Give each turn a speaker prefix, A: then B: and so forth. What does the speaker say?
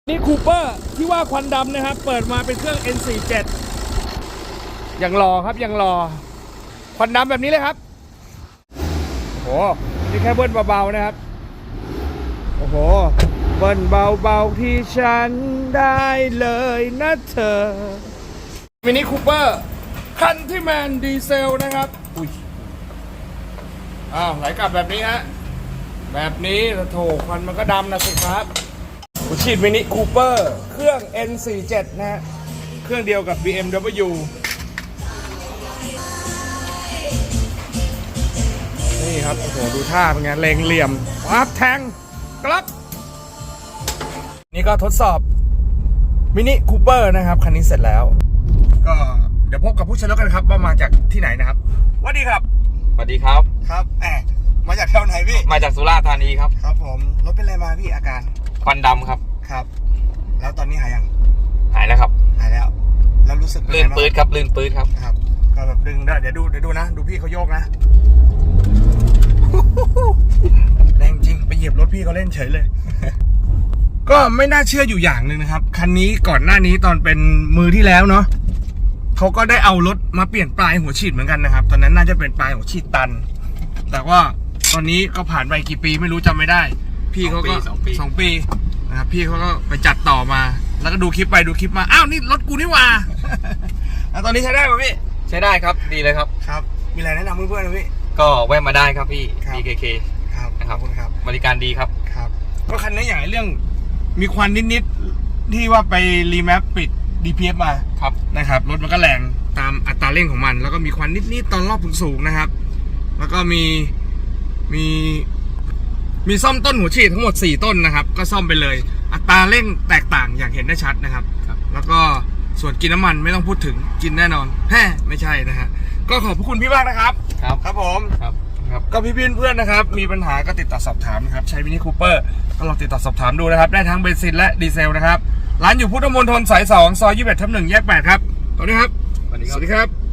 A: นี่คูเปอร์ที่ว่าควันดำนะครับเปิดมาเป็นเครื่อง N47 ยังรอครับยังรอควันดำแบบนี้เลยครับโอ้โหนี่แค่เบิ้ลเบาๆนะครับโอ้โหเบิ้ลเบาๆที่ฉันได้เลยนะเธอมินิคูเปอร์คันที่แมนดีเซลนะครับอุ้ยไหลกลับแบบนี้ฮะแบบนี้โถควันมันก็ดำนะสิครับหัวฉีดมินิคูเปอร์เครื่อง N47 นะฮะเครื่องเดียวกับ BMW นี่ครับโอ้โหดูท่าเป็นไงเล็งเหลี่ยมปั๊บแทงกลับนี่ก็ทดสอบมินิคูเปอร์นะครับคันนี้เสร็จแล้วก็เดี๋ยวพบกับผู้ใช้รถกันครับว่ามาจากที่ไหนนะครับสวัสดีครับ
B: สวัสดีครับ
C: ครับมาจากแถวไหนพี่
B: มาจากสุราษฎร์ธานีครับ
C: ครับผมรถเป็นอะไรมาพี่อาการ
B: ควันดำครับ
C: ครับ แล้วตอนนี้หายยัง
B: หายแล้วครับ
C: หายแล้ว แล้วรู้สึกเป็น
B: ลื่
C: ไง
B: น
C: บ้าง
B: ปื๊ดครับลื่นปื๊ดครับ
C: ครับก็แบบดึงได้เดี๋ยวดูนะดูพี่เขาโยกนะ แรงจริงไปเหยียบรถพี่เขาเล่นเฉยเลย ก็ไม่น่าเชื่ออยู่อย่างหนึ่งนะครับคันนี้ก่อนหน้านี้ตอนเป็นมือที่แล้วเนาะเขาก็ได้เอารถมาเปลี่ยนปลายหัวฉีดเหมือนกันนะครับตอนนั้นน่าจะเป็นปลายหัวฉีดตัน แต่ว่าตอนนี้ก็ผ่านไปกี่ปีไม่รู้จำไม่ได้พี่เขาก็
B: สองปี
C: นะครับพี่เขาก็ไปจัดต่อมาแล้วก็ดูคลิปไปดูคลิปมาอ้าวนี่รถกูนี่หว่า แล้วตอนนี้ใช้ได้ป่ะพี่
B: ใช้ได้ครับดีเลยครับ
C: ครับมีอะไรแนะนำเพื่อนๆไหมพี่
B: ก็แวะมาได้ครับพี่
C: ครับ
B: BKK
C: ครับ
B: นะ
C: ขอบคุณครับ
B: บริการดีครับ
C: ครับก็คันนี้อย่างเรื่องมีควันนิดๆที่ว่าไปรีแมปปิด DPF มา
B: ครับ
C: นะครับรถมันก็แรงตามอัตราเร่งของมันแล้วก็มีควันนิดๆตอนรอบสูงๆนะครับแล้วก็มีซ่อมต้นหัวฉีดทั้งหมด4ต้นนะครับก็ซ่อมไปเลยอัตราเร่งแตกต่างอย่างเห็นได้ชัดนะครับ
B: ครับ
C: แล้วก็ส่วนกินน้ำมันไม่ต้องพูดถึงกินแน่นอนไม่ใช่นะฮะก็ขอบพระคุณพี่มากนะครับ
B: ครับ
C: ครับผม
B: ครับครับ
C: ก็พี่เพื่อนๆนะครับมีปัญหาก็ติดต่อสอบถามนะครับใช้มินิคูเปอร์ก็ลองติดต่อสอบถามดูนะครับได้ทั้งเบนซินและดีเซลนะครับร้านอยู่พุทธมณฑลสาย2ซอย21/1แยก8ครับสวัสดีครับ
B: สวัสดีครับ
C: สวัสดีครับ